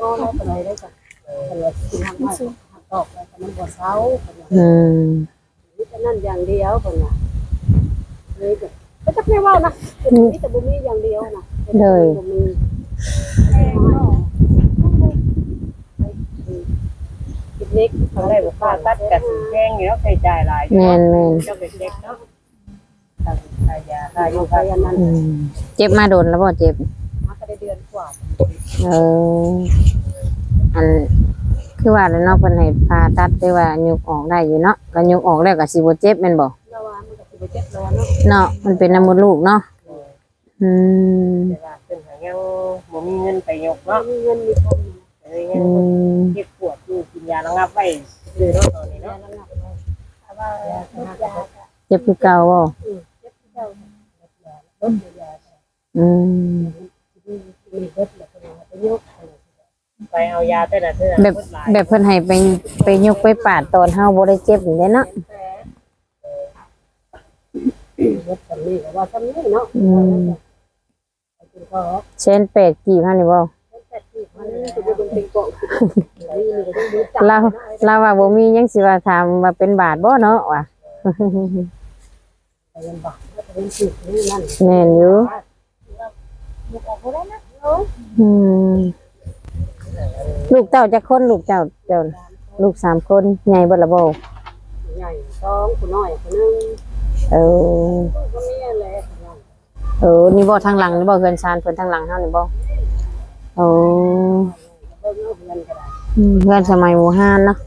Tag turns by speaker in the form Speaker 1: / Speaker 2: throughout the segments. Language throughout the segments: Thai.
Speaker 1: แล้วไปได้จ้ะกินทางบ้านตอกแล้วมันบ่เซานี่แต่นั่นอย่างเดียวคนน่ะเลยก็จะไม่ว่านะนี่แต่บ่มีอย่างเดียวนะเลยบ่มีเล็กทำได้บ่ค่าตัดกับสิแพงอยู่แล้วใช้จ่ายหลายแม่นๆเจ้าเด็กๆเนาะค่ายาค่าอยู่ค่านั้น
Speaker 2: เจ็บมาโดนแล้วบ่เจ็บ
Speaker 1: มาก็ได้เดือนกว่า
Speaker 2: อันคือว่าแล้วเนาะเพิ่นให้ผ่าตัดได้ว่ายุกออกได้อยู่เนาะก็ยุกออกแล้วก็สิบ่เจ็บแม่นบ่
Speaker 1: แล้วว่ามันก็สิบ่เจ็บแล้วเนาะ
Speaker 2: เนาะมันเป็นน้ำมดลูกเนาะ
Speaker 1: แต่ว่าเพิ่นหายังบ่มีเงินไปยกเนาะมีเงินมีทองเลยเงินเก็บปวดอยู่กินยาระงับไว้ซื้อเนาะตอนนี้เนาะถ้าว่า
Speaker 2: เจ็บคือเก่าบ่
Speaker 1: เจ็บคือเก่าไปเอายาแต่ละเทื่อ
Speaker 2: แบบเพิ่นให้ไปยกไปปาดตอนเฮาบ่ได้เจ็บนี่เนาะ
Speaker 1: ว่าซ้ำนี่เนาะ
Speaker 2: เช่น8กี่พันนี่บ่เราว่าบ่มียังสิว่าถามว่าเป็นบาทบ่เนาะว่ะแม่นอยู่ลูกเต้าจักคนลูกเจ้าลูก3คนใหญ่เบิดละบ่
Speaker 1: ใหญ่2ผู้น้อยผู้นึงก็มีอะไร
Speaker 2: นี่บ่ทางหลังนี่บ่เฮือนชานเพิ่นทางหลังเฮานี่บ่เพื่อนสมัยโมฮานเนาะ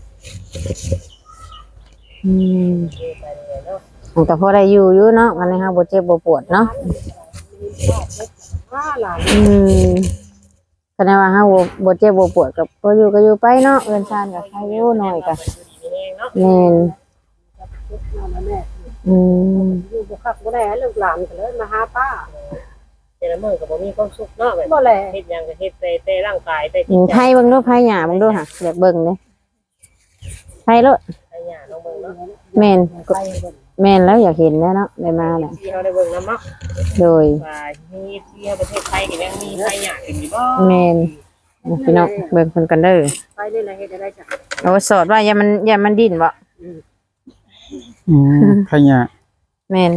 Speaker 2: แต่พอได้อยู่เนาะวันนี้ฮะบ่เจ็บบ่ปวดเนาะก็ได้ว่าฮะบ่เจ็บบ่ปวดกับก็อยู่ไปเนาะเอิ้นซ่านกับใครอยู่หน่อยก็แม่น
Speaker 1: อยู่บ่คักบ่ได้ลูกหลานก็เลยมาหาป้าแต่ละมื้อก็บ่มีความสุขเนาะแบบบ่แลเฮ็ดหยังก็เฮ็ดแต่ร่างกายแต่จิตใจ
Speaker 2: ไผเบิ่งดูไผหญ้าเบิ่งดูค่ะอยากเบิ่งเด้ไผโลด
Speaker 1: ไผหญ้าน้องเบิ่งเนาะ
Speaker 2: แม่นแล้วอยากเห็นแล้วเนาะได้มาแหละ
Speaker 1: ที่เฮาได้เบิ่งนำเนาะ
Speaker 2: โดย
Speaker 1: ว่ามีที่ประเทศไทยก็ยังมีไผหญ้าขึ้นอยู่บ่
Speaker 2: แม่นพี่น้องเบิ่งเพิ่นกันเด้อ
Speaker 1: ไปนี่แหละเฮ็ดได้จ้ะ
Speaker 2: โอ้สอดว่าอย่ามันดิ้นบ่
Speaker 3: ไผหญ้า
Speaker 2: แม่น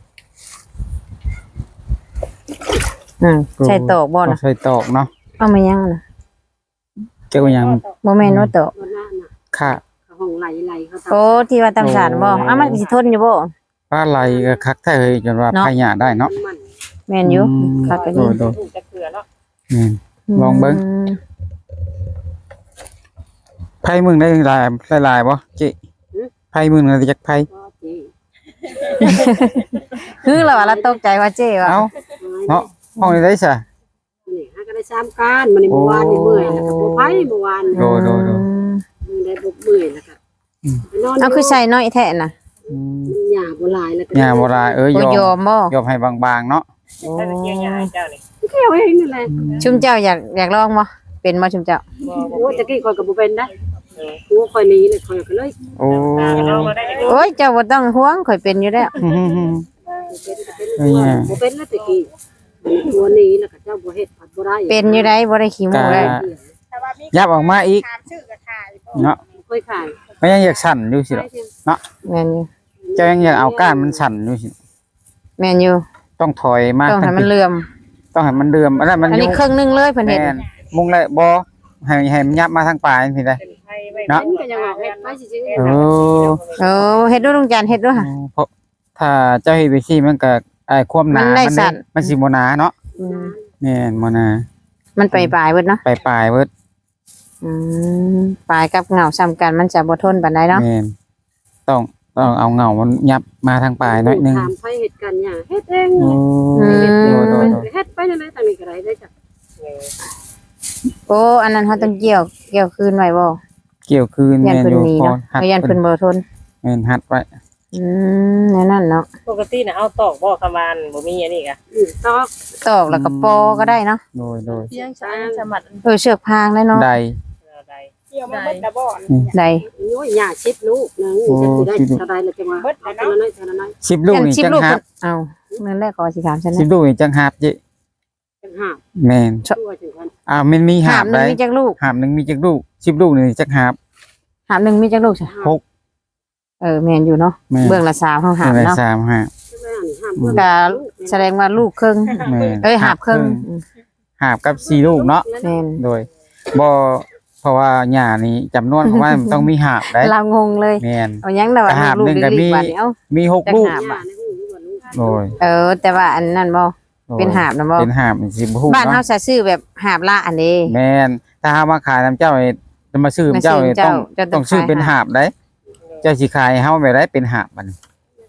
Speaker 2: ใช่ตอกบ่นะ
Speaker 3: ใช่ตอกเนาะ
Speaker 2: เอามายังน่ะ
Speaker 3: เจ้ายัง
Speaker 2: บ่แม่นว่าตอก
Speaker 3: ค่ะ
Speaker 1: ห้องไหลเขา
Speaker 2: โอ้ที่ว่าตำสารบ่มันสิทนอยู่บ่
Speaker 3: ป้าไหลก็คักแท้เฮ้ยจนว่าไผหญ้าได้เนาะ
Speaker 2: แม่นอยู่คักก็ดี
Speaker 1: จะเกลือเนาะ
Speaker 3: ลองเบิ่งไผมึงได้หลายบ่จิไผมึงได้จักไผ
Speaker 2: คือเราว่าเราตกใจว่าเจ้ว่า
Speaker 3: เอ้าเนาะห้องนี้ได้ซะ
Speaker 1: นี่ฮะก็ได้3การมื้อนี้เมื่อวานนี่เมื่อยแล้วก็บ่ไผเมื่อวาน
Speaker 3: โด
Speaker 1: ได้บ่เมื่อยแล้วก็
Speaker 2: เอาคือใส่น้อยแท้น่ะ
Speaker 1: หญ้าบ่หลายแล้วก็
Speaker 3: หญ้าบ่หลาย
Speaker 2: ยอมบ่
Speaker 3: ยอมให้บางๆเนาะ
Speaker 1: ถ้าจะเกี่ยวหญ้าให้เจ้านี่เกี่ยวเองนี่แหละ
Speaker 2: ชุมเจ้าอยากลองบ่เป็นบ่ชุมเจ้า
Speaker 1: โอ้ตะกี้ข่อยก็บ่เป็นได้กูข่อยหนีเลยข่อยก็เลย
Speaker 3: โอ้
Speaker 2: ยเจ้าบ่ต้องห่วงข่อยเป็นอยู่แล้ว
Speaker 1: บ่เป็นแล้วตะกี้ตัวนี้แล้วก็เจ้าบ่เฮ็ดผัดบ่ได้
Speaker 2: เป็นอยู่ได้บ่ได้ขี้มูกได้
Speaker 3: ยับออกมาอีกเนาะ
Speaker 1: เคยขาย
Speaker 3: มันยังอยากสั่นอยู่สิเนาะ
Speaker 2: แม่นอยู่
Speaker 3: เจ้ายังอยากเอาก้านมันสั่นอยู่สิ
Speaker 2: แม่นอยู่
Speaker 3: ต้องถอยมา
Speaker 2: ต้องให้มันเลื่อม
Speaker 3: อัน
Speaker 2: นี้ครึ่งนึงเลยเพิ่นเฮ็ด
Speaker 3: มุงเลยบ่ให้มันยับมาทางปลายสิได้
Speaker 1: เนาะก็ยังเฮ็ดไปซื่
Speaker 3: อ
Speaker 2: เฮ็ดด้วยลุงจันเฮ็ดด้วยค่ะ
Speaker 3: เพราะถ้าเจ้าเฮ็ดไปสิมันก็ความหนามันสิบ่หนาเนาะแม่นบ่หนา
Speaker 2: มันปลายเบิดเนาะ
Speaker 3: ปลายเบิด
Speaker 2: ปลายกับเงาซ้ำกันมันจะบ่ทนปานใดเนาะ
Speaker 3: แม่นต้องเอาเงามันยับมาทางปลายหน่อยนึง
Speaker 1: ถามไผเฮ็ดกันหยังเฮ็ดเองเฮ็ดไปนั่นแหละตอนนี้ก็ได้จ้ะ
Speaker 2: โอ้อันนั้นเขาต้องเกี่ยวคืนไว้บ่
Speaker 3: เกี่ยวคืน
Speaker 2: แม่นอยู่พอยันเพิ่นบ่ทน
Speaker 3: แม่นหัดไว้
Speaker 2: นั่นเนาะ
Speaker 1: ปกติน่ะเอาตอกบ่คำวานบ่มีอันนี้ก็
Speaker 2: ตอกแล้วก็ปอก็ได้เนาะ
Speaker 3: โดย
Speaker 1: เสียงช้างสมัด
Speaker 2: เชือกพางได้เนาะ
Speaker 3: ได้
Speaker 1: เกี่ยวมาเบิดตะบ่อน
Speaker 2: ได้
Speaker 1: โอ้ยหญ้า10ลูกนึงจะสิได้เท่าใดล่ะจังว่าเบิดแล้วน้อย
Speaker 3: 10ลูกนี่จังหับ
Speaker 2: เอ้านั่นแหละก็สิถามฉันนะ
Speaker 3: 10ลูกนี่จังหับจิ
Speaker 1: จังหับ
Speaker 3: แม่นมันมีหา
Speaker 2: หา
Speaker 3: บบ
Speaker 2: หนึ
Speaker 3: ได้
Speaker 2: งมีจักลูก
Speaker 3: หาบหนึงมีจักลูก10ลูกนี่จักหาบ
Speaker 2: หาบหนึงมีจักลูกจ้ะ
Speaker 3: หก
Speaker 2: แม่นอยู่เนาะ
Speaker 3: แม่น
Speaker 2: เบื้องละ3เฮาหาบ
Speaker 3: อะไร
Speaker 2: เนาะ
Speaker 3: 3หาบ
Speaker 2: ก็แสดงว่าลูกครึ่ง
Speaker 3: แม่น
Speaker 2: หาบครึ่ง
Speaker 3: หาบกับ4ลูกเนาะ
Speaker 2: แม่น
Speaker 3: โดยบ่เพราะว่าหญ้านี่จำนวนของมันต้องมีหาบได้
Speaker 2: เรางงเลย
Speaker 3: แม่น
Speaker 2: เอายังแต่ว่า
Speaker 3: หาบ
Speaker 2: ลูก
Speaker 3: หนึ่งก็
Speaker 2: ๆ
Speaker 3: มี
Speaker 2: ดีกว่านี้เอ้า
Speaker 3: มี6ลูก
Speaker 2: หาบอะ
Speaker 3: โดย
Speaker 2: แต่ว่าอันนั้นบ่
Speaker 3: โดย
Speaker 2: เป็นหาบนะบ่
Speaker 3: เป็นหาบสิบ่ฮู้
Speaker 2: บ้านเฮา
Speaker 3: เนาะ
Speaker 2: จะซื้อแบบหาบละอันนี้
Speaker 3: แม่นถ้าหามาขายน้ำเจ้านี่จะมาซื้อน้ำเจ้านี่
Speaker 2: มาซื้อ
Speaker 3: ต้อง
Speaker 2: เจ้า
Speaker 3: ต้องซื้อเป็นหาบได้เจ้าสิขายให้เฮาแบบได้เป็นหาบมัน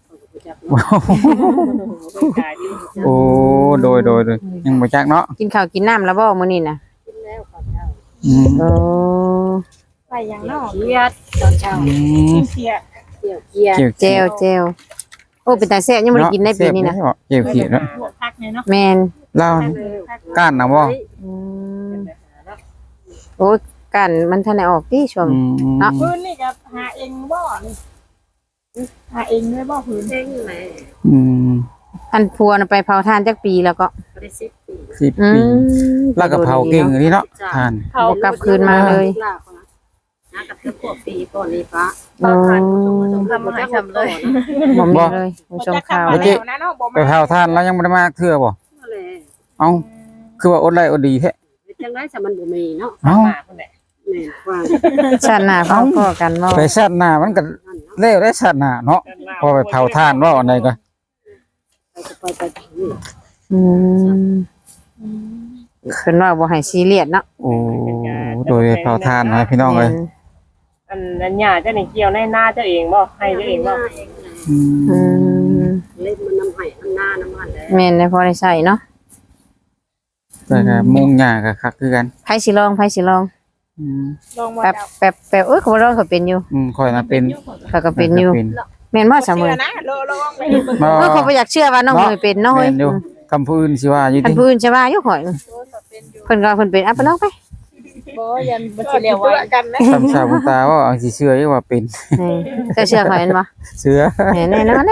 Speaker 3: โอ้โดยยังบ่จักเนาะ
Speaker 2: กินข้าวกินน้ำแล้วบ่มื้อนี้น่ะ
Speaker 3: อืม
Speaker 2: โอ้
Speaker 4: ไปยังนอก
Speaker 1: เกียดตอนเช้า
Speaker 3: อืม
Speaker 4: เสีย
Speaker 1: เกี่ยวเกียด
Speaker 3: เกี่ยว
Speaker 2: เจลโอ้เป็นตาแซ่บยังบ่ได้กินในปีนี้นะ
Speaker 3: เกี่ยวเขียวเนาะ
Speaker 4: บวกพักเนี่ยเนาะ
Speaker 2: แม่น
Speaker 3: เล่าก้านนะบ่
Speaker 2: อืมโอ้ยกันมันทันได้ออกติช่วง
Speaker 3: อืม
Speaker 2: เนาะ
Speaker 4: พื้นนี่ก็หาเองบ่นี่หาเองด้วยบ่พื้น
Speaker 1: เด้งแหม่
Speaker 3: อืม
Speaker 2: อันพัวน่ะไปเผาทานจักปีแล้วก็
Speaker 1: บ่ได้10 ปี
Speaker 3: 10
Speaker 2: อื
Speaker 3: ปี
Speaker 2: ม
Speaker 3: แล้วก็เผาเก่งอันนี้เนาะทาน
Speaker 4: เขา
Speaker 2: บ่กลับคืนมาเลย
Speaker 1: นะกับเพื่อนพวกปีก่อนนี้ฟ้า
Speaker 2: โอ้
Speaker 1: ทำให้ทำเลย
Speaker 2: บ่มีเลยผู้ชมข่าว
Speaker 4: มา
Speaker 2: เลย
Speaker 4: แล้วนะเนาะบ่
Speaker 3: ไป
Speaker 4: มา
Speaker 3: เผาทานแล้วยังบ่ได้มาเทื่อบ่
Speaker 1: นั่นแหละ
Speaker 3: เอ้าคือว่าอดไล่อดดีแท้
Speaker 1: จังได๋ซะมันบ่มีเนาะ
Speaker 3: เอ้า
Speaker 4: คนไหน
Speaker 1: แม่นกว้าง
Speaker 2: ชาติหน้าพอกันบ่
Speaker 3: ไปชาติหน้ามันก็แล้วได้ชาติหน้าเนาะพอไปเผาทานว่าอันใดก็
Speaker 1: ไปนี่
Speaker 2: อืมเพิ่นว่าบ่ให้ซีเรียสเนาะ
Speaker 3: โอ้โดยเผาทานนะพี่น้องเอ้ย
Speaker 4: อันหญ้าเจ้านี่เกี่ยวในหน้าเจ้าเองบ่ให้เจ้าเองบ่
Speaker 3: อื
Speaker 2: อื
Speaker 3: ม
Speaker 2: ม
Speaker 1: เล่นมันน้ำไห้น้ำหน้าน้ำมันแหละ
Speaker 2: แม่นได้พอได้ใช้เนาะ
Speaker 3: แต่ก็มุงหญ้าก็คักคือกัน
Speaker 2: ไผสิลอง
Speaker 3: อืม
Speaker 4: ลองมา
Speaker 2: แป๊บ
Speaker 4: จับ
Speaker 2: แป๊บแป๊บเอ้ยเขาบ่ลองเขาเป็นอยู่
Speaker 3: ค่อยน่ะเป็น
Speaker 2: เขาก็เป็นอยู่ แม่นบ่เสมอ
Speaker 4: นะลองไป
Speaker 3: บ่
Speaker 2: เขาบ่อยากเชื่อว่าน้องเมยเป็นเนาะเฮ้ย
Speaker 3: แม่นอยู่คำพูดอื่นสิว่าอยู่
Speaker 2: ท่าน
Speaker 3: ดิ
Speaker 2: ผู้อื่นใช่ว่าอยู่ข่อยเพิ่นก็เพิ่นเป็นอ่ะไปลองไป
Speaker 4: บ่ยันบ่สิเรียกว่ากันนะ
Speaker 3: คำสาบุญตาว่าเอาสิเชื่ออยู่ว่าเป็น
Speaker 2: เจ้าเชื่อข่อยแม่นบ่
Speaker 3: เชื่อ
Speaker 2: แน่นอนแน่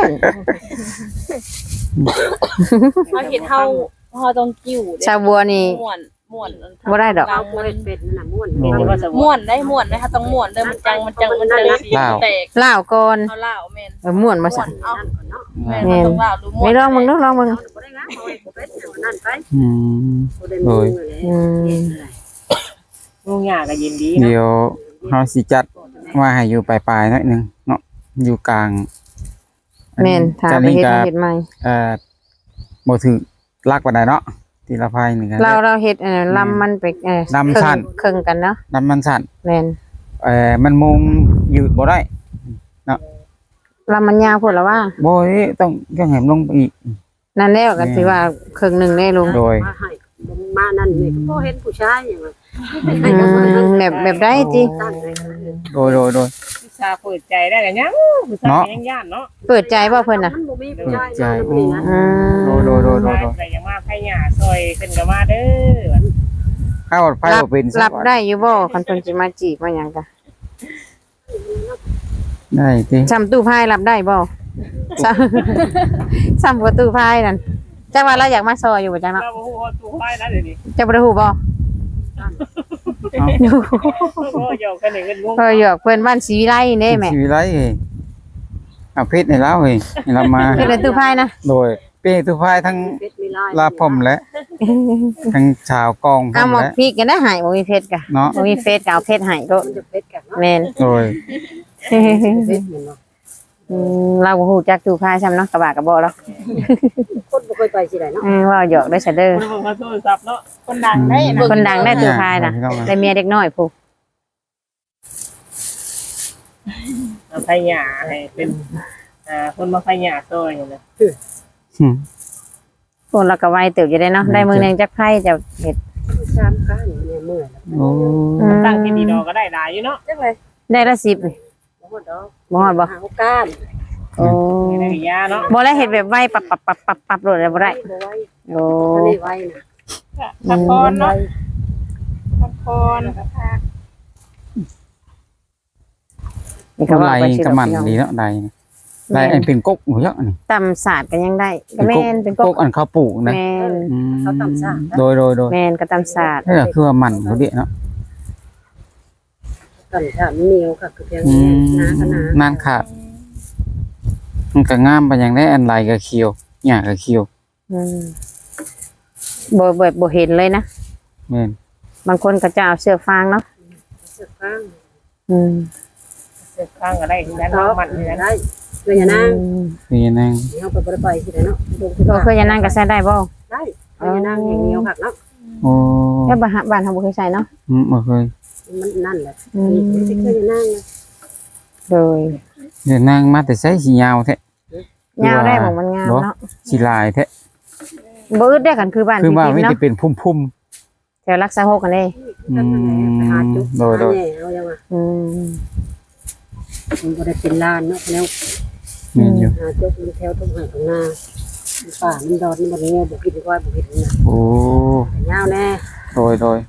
Speaker 4: เฮาเฮ็ดเฮาต้องกิ้ว
Speaker 2: ชาวบัวนี่
Speaker 4: ม่วน
Speaker 2: บ่ได้ดอก
Speaker 1: เราเป็นนั่นน่ะม่วน
Speaker 4: ม่วนได้ม่วนนะคะต้องม่วนเด้อมันจังสีแตก
Speaker 2: ลาวก่อน
Speaker 4: เอาเหล้าแม่น
Speaker 2: ม่วนบ่ซั่น
Speaker 4: เอา
Speaker 1: นั่นก่อนเนาะ
Speaker 4: แม่นมันต้องเหล้าหรือม่วน
Speaker 2: ไม่ลองมึงลองมึง
Speaker 1: บ่ได้งามเอาไว้เป็นนั่นไป
Speaker 3: อืม
Speaker 1: บ่ได้มึงเลย
Speaker 4: ลุงหญ้าก็ยินดี
Speaker 3: เดี๋ยวเฮาสิจัดว่าให้อยู่ปลายๆหน่อยหนึงเนาะอยู่กลาง
Speaker 2: แม่นถ้า
Speaker 3: จะ
Speaker 2: ไป
Speaker 3: นี่
Speaker 2: เฮ็ด
Speaker 3: ก็
Speaker 2: เฮ็ดใหม่
Speaker 3: บ่ถือลักปานใดเนาะทีละพายนี่ก็
Speaker 2: เราเฮ็ดลำมันไป
Speaker 3: ลำสั้น
Speaker 2: ครึ่งกันเนาะ
Speaker 3: น้ำมันสั่น
Speaker 2: แม่น
Speaker 3: มันมุงยืดบ่ได้
Speaker 2: ลำมันยาวพุ่นละว่า
Speaker 3: บ่ต้องยังให้มันลงไปอีก
Speaker 2: นั่นแล้วก็สิว่าครึ่งหนึงได้ลง
Speaker 3: โดย
Speaker 1: มาให้มานั่นนี่ก็บ่เห็นผู้ชายอย่างนั้น
Speaker 2: แบบได้ติ
Speaker 1: ตั้งเลย
Speaker 3: โดย
Speaker 4: ผู้ชายเปิดใจได้กันยังผู้ชายยังย่านเนาะ
Speaker 2: เปิดใจบ่เพิ่นน่ะ
Speaker 1: มันบ่มีผู้ชายนั่นนี่นะ
Speaker 2: อืม
Speaker 3: โดย
Speaker 4: แต่ยังมาไผหญ้าซอยขึ้นก็มาเด้อ
Speaker 3: ข้าวไฟบ่เป็น
Speaker 2: รับได้อยู่บ่คันเพิ่นสิมาจีบมาหยังกะ
Speaker 3: ได้ติ
Speaker 2: ซ้ำตู้พายรับได้บ่ ซ้ำประตูพายนั่นจังว่าเราอยากมาซอยอยู่บ่จังเนาะ
Speaker 4: เราบ่ฮู้ว่าตู้ไผนะเดี๋ยวนี้
Speaker 2: จะบ่ได้ฮู้บ่
Speaker 4: โอ้ยอกกันนี่เงินงง
Speaker 2: เพิ่นอยู่เพิ่นบ้านศรีวิไลนี่แม่
Speaker 3: ชีวิตไรเอาเพชรให้เราเฮ้ยให้เรามา
Speaker 2: เพิ่นเป็นตู้พายนะ
Speaker 3: โดยเป้ทุกฝ่ายทั้ง
Speaker 1: เป็ดมีลาย
Speaker 3: ลาพรมและทั้งชาวกองพร
Speaker 2: เอา
Speaker 3: ม
Speaker 2: หมก
Speaker 3: และ
Speaker 2: พริกกันได้หายบ่มีเพชรกะ
Speaker 3: เนาะ
Speaker 2: บ่มีเฟซก็เอาเพชรให้โลด
Speaker 1: มันจะเป็ดกันเนาะ
Speaker 2: แม่น
Speaker 3: โดย
Speaker 1: เป็ดเหมือนเนาะ
Speaker 2: เราบ่ฮู้จักตู้พายซ้ำเนาะกระบะกระบอกแล้ว
Speaker 1: คนบ่เคยไปสิได้เนาะ
Speaker 2: ว่าหยอกได้ซะเด้อ
Speaker 4: คนบ่โทรศัพท์เนาะคนดังได้
Speaker 2: คนดังได้ตู้พายน่ะ
Speaker 3: พี่น้อง
Speaker 2: ได้เมียเด็กน้อยผู้
Speaker 4: เอาไผหญ้าให้เป็นคนมาไผหญ้าซอยนี่นะ
Speaker 3: อืม
Speaker 2: คนเราก็ไวเติบอยู่ได้เนาะได้มื้อนึงจักไผจะเฮ็ด
Speaker 1: ชามกันเนี่ยเมื่อยแล้ว
Speaker 3: โอ้
Speaker 4: ตั้งที่ดีดอก็ได้หลายอยู่เนาะ
Speaker 1: จังเลย
Speaker 2: ได้ละ10นี่
Speaker 1: บ่ฮอดดอก
Speaker 2: บ่ฮอดบ่
Speaker 1: หาก้าน
Speaker 2: โอ้
Speaker 4: ได้ยาเนาะ
Speaker 2: บ่ได้เฮ็ดแบบไวปับโลดเลยบ่ได้
Speaker 1: บ่ไว้
Speaker 2: โอ้
Speaker 1: อันนี้ไว้นะ
Speaker 4: พักผ่อนเนาะพักผ่อน
Speaker 2: นี่ก็
Speaker 3: กำไร
Speaker 2: ว่าไปสิ
Speaker 3: กำมัน
Speaker 2: ดอก
Speaker 3: ดีเนาะได้ลายอันเป็นกกหมูเยอะนี่
Speaker 2: ตำศาสตร์ก็ยังได้ก็แม่นเป็น
Speaker 3: กกอันเขาปลูกนะ
Speaker 2: แม่น
Speaker 3: อืม
Speaker 1: เขาตำซ่า
Speaker 3: โดย
Speaker 2: แม่นก็ตำศาสตร์
Speaker 3: นี่ก็คือว่ามันเขาเดียเนาะ
Speaker 1: ตำซ่ามันเหนียวค่ะคือเพียง
Speaker 3: อืม
Speaker 1: น้าก็น้าน
Speaker 3: านขาดมันก็งามไปอย่างได้อันลายก็เขียวหญ้าก็เขียว
Speaker 2: อืมบ่เห็นเลยนะ
Speaker 3: แม่น
Speaker 2: บางคนก็จะเอาเสื้อฟางเนาะ
Speaker 1: เสือข้าง
Speaker 2: อืม
Speaker 4: เสือข้างก็ได้ที่นั้น
Speaker 1: เขา
Speaker 4: เนาะมันที่นั้น
Speaker 1: ได้เพื่อนอย่านั่ง
Speaker 3: นี่นั่ง
Speaker 1: เขาไปบ่ได้ไปที่ไหนเนาะ
Speaker 2: ก็คือจะนั่งก็ใส่ได้บ่
Speaker 1: ได้เพื่อนอย่านั่งอย่างเหนียวค่ะเนาะ
Speaker 3: โอ้
Speaker 2: แล้วบ้านเฮาบ่เคยใส่เนาะ
Speaker 3: บ่เคย
Speaker 1: มันนั่นแหละ
Speaker 2: อืม
Speaker 1: นี่เพื่อนอย่านั่งนะ
Speaker 2: โดย
Speaker 3: เดี๋ยวนั่งมาแต่ใส่สียาวแท้
Speaker 2: ยาวได้บ่มันงามเนาะ
Speaker 3: สีลายแท้
Speaker 2: บ่อึดได้กันคือบ้าน
Speaker 3: คือ
Speaker 2: พี่
Speaker 3: ว่า
Speaker 2: พิม
Speaker 3: ไม่
Speaker 2: เนาะ
Speaker 3: ได้เป็นพุ่ม
Speaker 2: แถวรักษาหกกันเด้
Speaker 1: นั่นแหละไปหาจุก
Speaker 3: โดย
Speaker 1: หาแหน่เอายังไง
Speaker 2: อืม
Speaker 1: มันบ่ได้เป็นลานเนาะแล้ว
Speaker 3: ๆนี่อยู่
Speaker 1: หาจุกมันแถวตรงไหนตรงหน้าป่ามันดอนมันบ่ได้เงี้ยบ่คิดว่าบ่คิดนะ
Speaker 3: โอ้
Speaker 1: แต่ยาวแน่
Speaker 3: โดย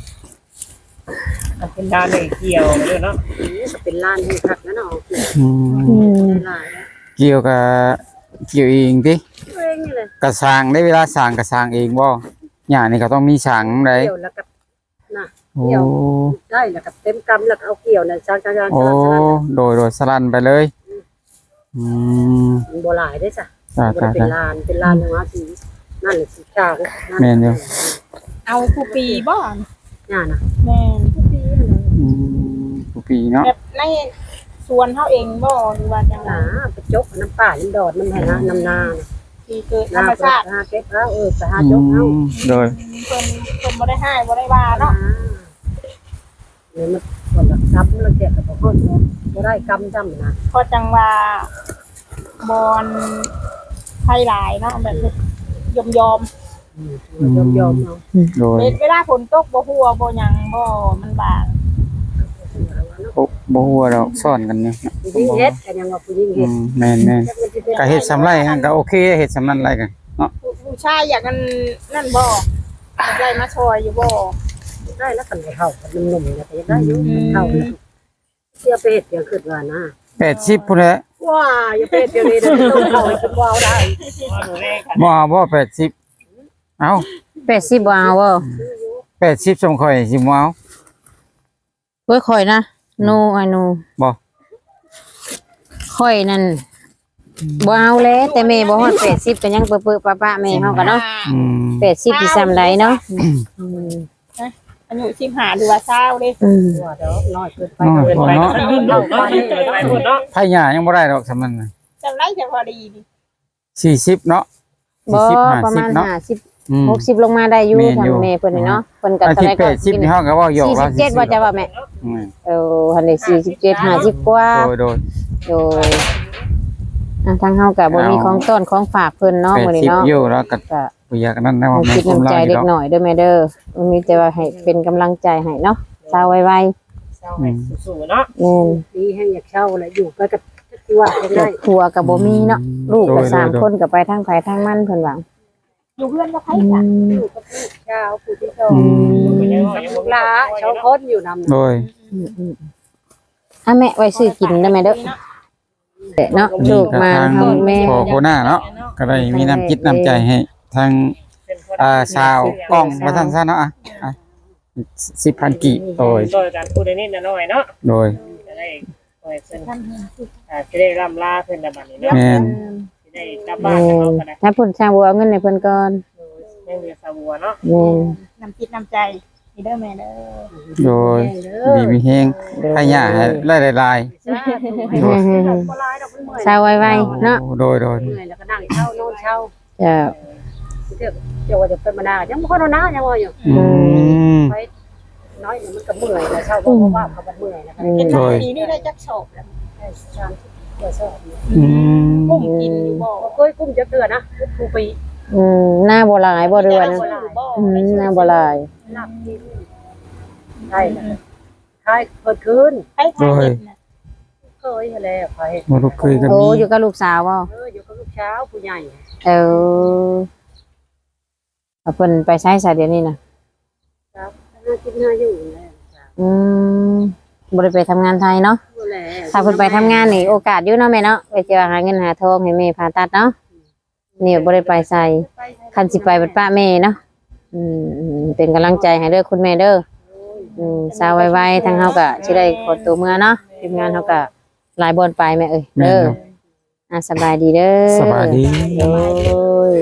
Speaker 4: มันเป็นด้านเลยเกี่ยวด้วยเนาะ
Speaker 1: นี่ก็เป็นลานให้คักนะเนาะ
Speaker 3: อืม
Speaker 2: อืม
Speaker 1: ลานแล้ว
Speaker 3: เกี่ยวกับเกี่ยวเองติ
Speaker 1: เองนี่เลย
Speaker 3: กระสร้างได้เวลาสร้างกระสร้างเองบ่หญ้านี่ก็ต้องมีสร้างได้
Speaker 1: เกี่ยวแล้วก็น่ะ
Speaker 3: โอ้
Speaker 1: ได้แล้วก็เต็มกำแล้วก็เอาเกี่ยวน่ะจางๆ
Speaker 3: โอ้โดยสลันไปเลยอืม
Speaker 1: มันบ่หลายได้จ้ะ
Speaker 3: จ้า
Speaker 1: บ่ได้เป็น
Speaker 3: ๆ
Speaker 1: ลานเป็นลานอย่างว่าสินั่นแหละสิจ้าง
Speaker 3: แม่นอยู่
Speaker 5: เอาคูปีบ่
Speaker 1: ย่าน่ะ
Speaker 5: แม่น
Speaker 3: ๆอืมทุกปีเนาะ
Speaker 5: แบบในสวนเฮาเองบ่หรือว่าจังได๋
Speaker 1: ไปจกน้ำป่าน้ำดอดน้ำไหนะน้ำนา
Speaker 5: ที่เกิดธร
Speaker 1: นาร
Speaker 5: มชาติ
Speaker 1: หาเก็บเอาไปหา
Speaker 3: อื
Speaker 1: จกเอา
Speaker 3: มโดย
Speaker 5: เพิ่นบ่ได้ให้บ่ได้ว่าเนาะ
Speaker 1: เนี่ยมันคนหลักทรัพย์แล้วแกก็บ่ฮอดบ่ได้กำจำนะ
Speaker 5: เพราะจังว่าบอนไทยหลายเนาะแบบยอม
Speaker 1: ยอมเอา
Speaker 3: โดย
Speaker 5: เวลาฝนตกบ่หัวบ่หยังบ่มันบาง
Speaker 3: โอ้บ่ฮู้ว่าดอกซ่อนกันเนี่ย
Speaker 1: ผู้หญิงเฮ็ดกันยังว่าผู้หญิง
Speaker 3: อื
Speaker 1: เฮ็ด
Speaker 3: มแม่นๆก็เฮ็ดสำไรหั่นก็โอเคเฮ็ดสำนั้นไรกันเนาะ
Speaker 5: ผู้ชายอยากกันนั่นบ่อยากได้มาช่วยอยู่บ่
Speaker 1: ได้แล้วกันเท่ากันหนุ่มๆเนี่ยก็ยังได้อยู่เท่าเสียเป็ดยังขึ้นว่านะ
Speaker 3: 80พุ่นแหละ
Speaker 1: ว้าอย่าเป็ดเดี๋ยวนี้ต้องเข้าให้กินว้าวได้
Speaker 4: ว่าดูเลขกัน
Speaker 3: บ่เอาบ่80เอ้า
Speaker 2: 80บ่เอาบ่
Speaker 3: 80สมข่อยสิบ่เอา
Speaker 2: เว้ยข่อยนะโนไอ้โน
Speaker 3: บ่
Speaker 2: ข่อยนั่นบ่เอาแล้วแต่แม่บ่ฮอด80ก็ยังเปื้อๆป้าๆแม่เฮาก็เนาะ
Speaker 3: อืม
Speaker 2: 80สิซ้ำใดเนาะอืม
Speaker 5: อายุ15หรือว่า20เด้
Speaker 2: อืม
Speaker 1: ว่าเด้อน้อยเกินไป
Speaker 3: น้อย
Speaker 4: เกิน
Speaker 3: พอ
Speaker 4: ไป
Speaker 3: เนาะ
Speaker 4: เนาะไปหมดเนาะ
Speaker 3: ไผหญ้ายังบ่ได้ดอกสำนั้นน่ะ
Speaker 5: จำได้แต่พอดีดิ
Speaker 3: 40เนาะ
Speaker 2: บ่
Speaker 3: 40
Speaker 2: ประมาณ
Speaker 3: 50เนาะ
Speaker 2: 50
Speaker 3: อืม
Speaker 2: 60ลงมาได้อยู่
Speaker 3: แม่นอยู่
Speaker 2: ทางแม่เพิ่นนี่เนาะเพิ่นก็
Speaker 3: อา
Speaker 2: เท่า
Speaker 3: ทิต
Speaker 2: ไหร่
Speaker 3: ย์
Speaker 2: ก็
Speaker 3: 80นี่เฮาก็เว้าหยอกว่า
Speaker 2: 47บ่จะว่าแม่
Speaker 3: อืม
Speaker 2: หันได้47 50กว่า
Speaker 3: โดย
Speaker 2: โดยทางเฮาก็บ่มีของต้อนของฝากเพิ่นเนาะมื้อนี้เนาะ
Speaker 3: 80อยู่แล้วก็
Speaker 2: ก็
Speaker 3: บ่อยากนั้นนะ
Speaker 2: ให้
Speaker 3: ว่ามัน
Speaker 2: คิดน้ำใจเล็กหน่อยเด้อแม่เด้อมีแต่ว่าให้เป็นกำลังใจให้เนาะเช้าไว
Speaker 4: เศร้าให้สู้ๆเนาะ
Speaker 2: ๆแม่น
Speaker 1: ดีให้อยากเช่าแล้วอยู่ก็จะที่ว่า
Speaker 2: คร
Speaker 1: ได้
Speaker 2: อบครัวก็บ่มีเนาะลูกก็3คนก็ไปทางไผทางมันเพิ่นว่า
Speaker 5: อยู่เพื่อนก็ไผ
Speaker 2: อื
Speaker 5: จ้ะ
Speaker 2: ม
Speaker 1: อยู่กับลูกเช้าผู้ที่สอง
Speaker 4: เป็นยังไงยัง
Speaker 1: ลู
Speaker 4: บ่
Speaker 1: ก
Speaker 4: มี
Speaker 1: หลาชาวคนอยู่นำ
Speaker 3: โดย
Speaker 2: แม่ไว้ซื้อกินได้อแม่เด้อเนาะลูกมาเฮาแม่
Speaker 3: พอโคหน้าเนาะก็ได้มีน้ำจิตน้ำใจให้ทางชาวกล้องมาท่านซะเนาะ10,000 กิโดย
Speaker 4: โดยการพูดนิดๆหน่อยๆเนาะ
Speaker 3: โดย
Speaker 4: จะได้โดยเพิ่นจะได้ร่ำลาเพิ่นในบัดนี้เนาะ
Speaker 3: แม่น
Speaker 4: จะได้กลับบ้านเขาก็ได้
Speaker 2: ถ้าเพิ่นสร้างบ่เอาเงินให้เพิ่นก่อน
Speaker 4: ยังเหลือสาบัวเนาะ
Speaker 2: แม่น
Speaker 5: น้ำจิตน้ำใจนี่เด้อแม่เด้อ
Speaker 3: โดยดีมีแฮงให้หญ้าให้หลาย
Speaker 2: เช้าไวๆเนาะ
Speaker 3: ๆโดย
Speaker 1: เหนื่อยแล้วก็นั่งเช่านอนเช่า
Speaker 2: จะ
Speaker 1: เจ้าว่าจะเป็นมานายังบ่ค่อยนอนนะยังว่าอยู่
Speaker 3: อืม
Speaker 1: ไปน้อยมันก็เมื่อยแล้วเช่าเพราะว่าเขาเมื่อยนะคะ
Speaker 5: เป็น
Speaker 3: โดย
Speaker 5: ปีนี้ได้จักโศกแล้ว
Speaker 3: อืม
Speaker 5: กุ้งกินอยู่บ่
Speaker 1: เคยกุ้มจะเกลือนะผู้ปี
Speaker 2: หน้าบ่หลายบ่เรือนนะ
Speaker 5: บ่
Speaker 2: หน้าบ่หลาย
Speaker 1: หลับกินใช่ใช่เกิดคืน
Speaker 5: ให้ทานเห็ดน่ะ
Speaker 1: เคยแล้วไป
Speaker 3: บ่รู้เคยก็
Speaker 2: โอ้
Speaker 3: มี
Speaker 2: อยู่กับลูกสาวบ่
Speaker 1: อยู่กับลูกเช้าผู้ใหญ่
Speaker 2: เออเอาเพิ่นไปใช้ซะเดี๋ยวนี้น่ะ
Speaker 1: ครับน่ากินน่าอยู่แล้ว
Speaker 2: บ่ได้ไปทำงานไทยเนาะ
Speaker 1: ก็แล้ว
Speaker 2: ถ้าเพิ่นไปทำงานนี่โอกาสอยู่เนาะแม่เนาะไปเจอหาเงินหาทองให้แม่ผ่าตัดเนาะนี่บ่ได้ไปใส่คันสิไปบัดป้าแม่เนาะเป็นกำลังใจให้เด้อคุณแม่เด้อสาวไวๆทางเฮาก็สิได้ขอตัวเมื่อเนาะทีมงานเฮาก็หลายบ่อนไปแม่เอ้ยเด้อสบายดีเด้อ
Speaker 3: สบายดี
Speaker 2: โอ้ย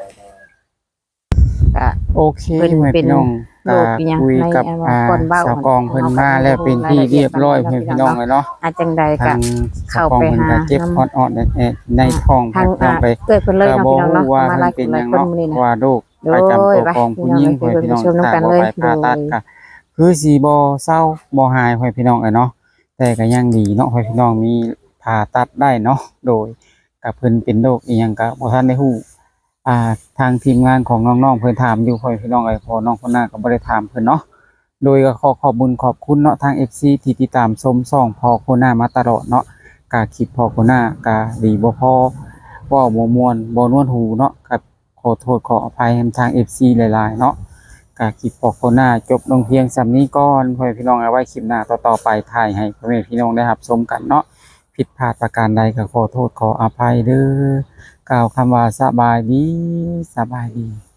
Speaker 2: ก็
Speaker 3: โอเค
Speaker 2: เพิ่น
Speaker 3: แม่
Speaker 2: เป็น
Speaker 3: พี่น้อง
Speaker 2: โรคอีหยัง
Speaker 3: คุยกับ
Speaker 2: ในก้นเบ้า
Speaker 3: สาวกองเพิ่นมาแล้วเป็นที่เรียบร้อยเพิ่นพี่น้องเลยเนาะ
Speaker 2: อาจจังใดก็
Speaker 3: ทาง
Speaker 2: เข้า
Speaker 3: สาวกอง
Speaker 2: ไป
Speaker 3: เพิ่น
Speaker 2: หา
Speaker 3: ก็เจ็บฮอดๆในท้อง
Speaker 2: ทาง
Speaker 3: เพิ่นพี่น้องไป
Speaker 2: เกิดเพิ่นเลย
Speaker 3: ก็
Speaker 2: เนาะ
Speaker 3: บ่
Speaker 2: พี่น้อง
Speaker 3: รู้
Speaker 2: เนาะ
Speaker 3: ว่า
Speaker 2: มา
Speaker 3: มั
Speaker 2: หลาน ย
Speaker 3: เป็น
Speaker 2: ห
Speaker 3: ห
Speaker 2: ลา
Speaker 3: ยั
Speaker 2: ย
Speaker 3: ง
Speaker 2: คน
Speaker 3: เนาะ
Speaker 2: มื้อนี้
Speaker 3: เพ
Speaker 2: นะ
Speaker 3: ราะว่าโรค
Speaker 2: โดย
Speaker 3: ประจำตัว
Speaker 2: ไป
Speaker 3: ของผู้หญิง
Speaker 2: พี่
Speaker 3: พี่
Speaker 2: น้
Speaker 3: น้
Speaker 2: อ
Speaker 3: อง ง
Speaker 2: ไป
Speaker 3: ถ้า
Speaker 2: ชม
Speaker 3: บ่
Speaker 2: น้ำกัน
Speaker 3: ไป
Speaker 2: เลย
Speaker 3: ผ่าตัดก็คือสิบ่เศร้าบ่หายพี่น้องเนาะแต่ก็ยังดีเนาะพี่น้องมีผ่าตัดได้เนาะโดยกับเพิ่นเป็นโรคอีหยังก็บ่ทันได้ฮู้ทางทีมงานของน้องๆเพิ่นถามอยู่พี่น้องพอน้องคนหน้าก็บ่ได้ถามเพิ่นเนาะโดยก็ขอบคุญขอบคุณเนาะทาง FC ที่ติดตามชมช่องพอคนหน้ามาตลอดเนาะกะคลิปพอคนหน้ากะดีบ่พอเว้าบ่ม่วนบ่นวลหูเนาะกับขอโทษขออภัยทาง FC หลายๆเนาะกะคลิปพอคนหน้าจบลงเพียงส่ำนี้ก่อนพ่อพี่น้องเอาไว้คลิปหน้าต่อๆไปถ่ายให้พ่อแม่พี่น้องได้รับชมกันเนาะผิดพลาดประการใดก็ขอโทษขออภัยเด้อกล่าวคำว่าสบายดี